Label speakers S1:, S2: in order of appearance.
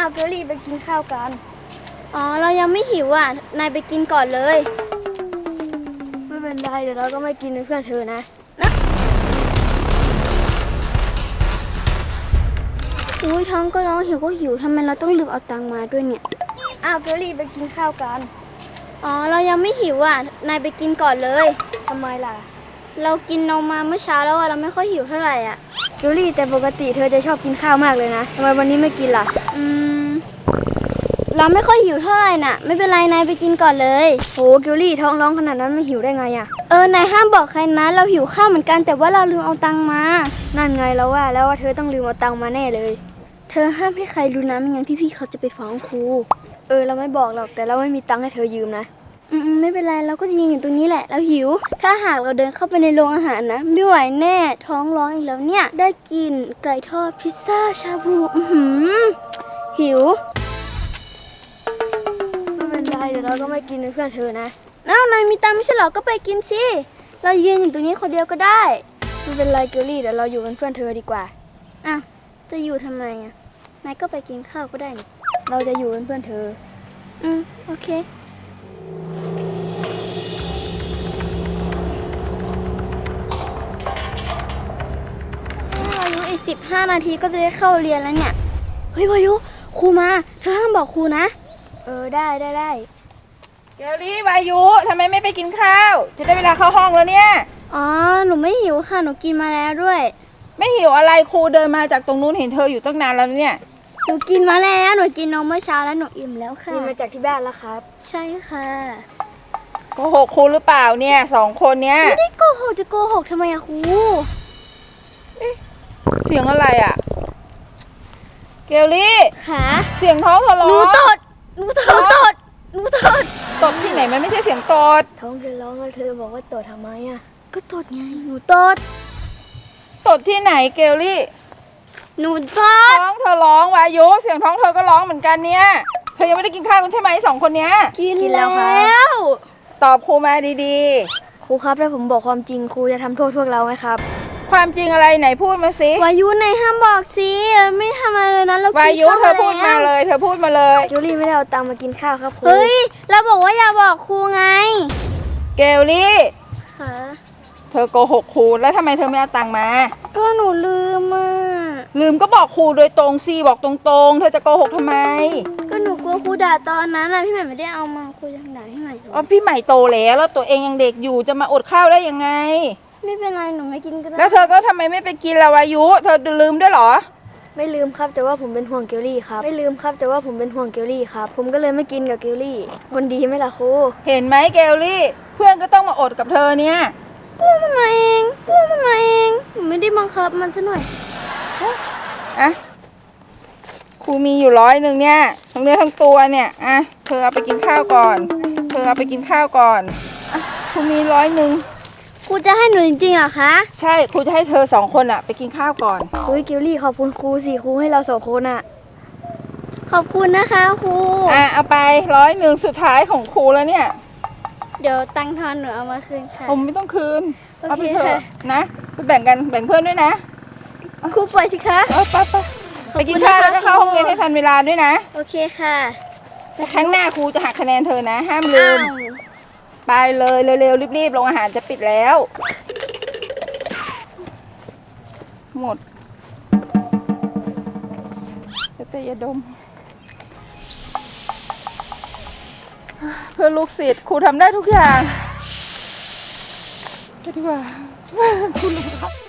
S1: าวเกลลี่ไปกินข้าวกันอ๋อเรายังไม่หิวอ่ะนายไปกินก่อนเลยไม่เป็นไรเดี๋ยวเราก็ไม่กินเป็นเพื่อนเธอนะอุ้ยท้องก็ร้องหิวก็หิวทำไมเราต้องลืมเอาตังค์มาด้วยเนี่ยอ้าวเกลลี่ไปกินข้าวกันอ๋อเรายังไม่หิวอ่ะนายไปกินก่อนเลยทำไมล่ะเรากินนมมาเมื่อเช้าแล้วเราไม่ค่อยหิวเท่าไหร่อ่ะเกลลี่แต่ปกติเธอจะชอบกินข้าวมากเลยนะทำไมวันนี้ไม่กินล่ะเราไม่ค่อยหิวเท่าไหร่น่ะไม่เป็นไรนายไปกินก่อนเลยโหเกลลี่ท้องร้องขนาดนั้นไม่หิวได้ไงอ่ะนายห้ามบอกใครนะเราหิวข้าวเหมือนกันแต่ว่าเราลืมเอาตังค์มานั่นไงแล้วว่าแล้วว่าเธอต้องลืมเอาตังค์มาแน่เลยเธอห้ามให้ใครรู้นะไม่งั้นพี่ๆเขาจะไปฟ้องครูเราไม่บอกหรอกแต่เราไม่มีตังค์ให้เธอยืมนะไม่เป็นไรเราก็จะยืนอยู่ตรงนี้แหละเราหิวถ้าหากเราเดินเข้าไปในโรงอาหารนะไม่ไหวแน่ท้องร้องอีกแล้วเนี่ยได้กินไก่ทอดพิซซ่าชาบูหิวไม่เป็นไรเดี๋ยวเราก็ไม่กินเป็นเพื่อนเธอนะนายมีตังค์ไม่ใช่หรอก็ไปกินสิเรายืนอยู่ตรงนี้คนเดียวก็ได้ไม่เป็นไรเกลลี่เดี๋ยวเราอยู่เป็นเพื่อนเธอดีกว่าจะอยู่ทำไมอ่ะนายก็ไปกินข้าวก็ได้นี่เราจะอยู่เป็นเพื่อนเธอโอเคอายุอีก15 นาทีก็จะได้เข้าเรียนแล้วเนี่ยเฮ้ยวายุครูมาเธอห้ามบอกครูนะได้
S2: เกลลี่วายุทำไมไม่ไปกินข้าวจะได้เวลาเข้าห้องแล้วเนี่ย
S1: หนูไม่หิวค่ะหนูกินมาแล้วด้วย
S2: ไม่หิวอะไรครูเดินมาจากตรงนู้นเห็นเธออยู่ตั้งนานแล้วเนี่ย
S1: หนูกินมาแล้วหนูกินนมเมื่อเช้าแล้วหนูอิ่มแล้วค่ะ
S3: กินมาจากที่บ้านแล้วครับ
S1: ใช่ค่ะ
S2: โกหกครูหรือเปล่าเนี่ย2 คนเนี้ย
S1: ไม่ได้โกหกจะโกหกทำไมอะครู
S2: เสียงอะไรอะเกลลี่
S1: ค่ะ
S2: เสียงท้องเธอร้อง
S1: หนูตด
S2: ตดที่ไหนมันไม่ใช่เสียงตด
S3: ท้องเธอร้องแล้วเธอบอกว่าตดทำไมอ่ะ
S1: ก็ตดไงหนูตด
S2: ที่ไหนเกลลี่
S1: หนูตด
S2: ท้องเธอร้องวายุเสียงท้องเธอก็ร้องเหมือนกันเนี่ยเธอยังไม่ได้กินข้าวกันใช่ไหม2 คนเนี้ย
S1: กินแล้ว
S2: ตอบครูมาดี
S3: ครูครับถ้าผมบอกความจริงครูจะทำโทษพวกเราไหมครับ
S2: ความจริงอะไรไหนพูดมาสิ
S1: วายุไหนห้ามบอกสิไม่ทำอะไรเลยนะเรา
S2: วายุเธอพูดมาเลยเธอพูดมาเลย
S3: จูลี่ไม่ได้เอาตังค์มากินข้าวครับครู
S1: เฮ้ยเราบอกว่าอย่าบอกครูไง
S2: เกลลี่
S1: ค่ะ
S2: เธอโกหกครูแล้วทำไมเธอไม่เอาตังค์มา
S1: ก็หนูลืม
S2: ลืมก็บอกครูโดยตรงสิบอกตรงๆเธอจะโกหกทำไม
S1: ก็หนูกลัวครูด่าตอนนั้นพี่ใหม่ไม่ได้เอามาครูยังด่าพี่ใหม่
S2: พี่ใหม่โตแล้วตัวเองยังเด็กอยู่จะมาอดข้าวได้ยังไง
S1: ไม่เป็นไรหนูไม่กินก็ได้
S2: แล้วเธอก็ทำไมไม่ไปกินล่ะวายุเธอลืมด้วยเหรอ
S3: ไม่ลืมครับแต่ว่าผมเป็นห่วงเกลลี่ครับผมก็เลยไม่กินกับเกลลี่คนดีไหมล่ะครู
S2: เห็นไหมเกลลี่เพื่อนก็ต้องมาอดกับเธอเนี่ย
S1: กู้มันมาเองหนูไม่ได้บังคับมันซะหน่อย
S2: ครูมีอยู่100เนี่ยทั้งเนื้อทั้งตัวเนี่ยเธอเอาไปกินข้าวก่อนครูมี100
S1: ครูจะให้หนูจริงๆเหรอคะ
S2: ใช่ครูจะให้เธอ2 คนไปกินข้าวก่อน
S3: เกลลี่ขอบคุณครูสิครูให้เรา2 คน
S1: ขอบคุณนะคะครู
S2: เอาไป100สุดท้ายของครูแล้วเนี่ย
S1: เดี๋ยวตังค์ทอนหนูเอามาคืนค่ะ
S2: ผมไม่ต้องคืนเอาไปเถอะนะไปแบ่งกันแบ่งเพื่อนด้วยนะ
S1: ครูปล่อยสิคะ
S2: ไปกินข้าวแล้วก็เข้าห้องเรียนให้ทันเวลาด้วยนะ
S1: โอเคค่ะ
S2: ครั้งหน้าครูจะหักคะแนนเธอนะห้ามลืมไปเลยเร็วๆรีบๆโรงอาหารจะปิดแล้วหมดแต่ยาดมเพื่อลูกศิษย์ครูทำได้ทุกอย่างก็ดีกว่าคุณลุงครับ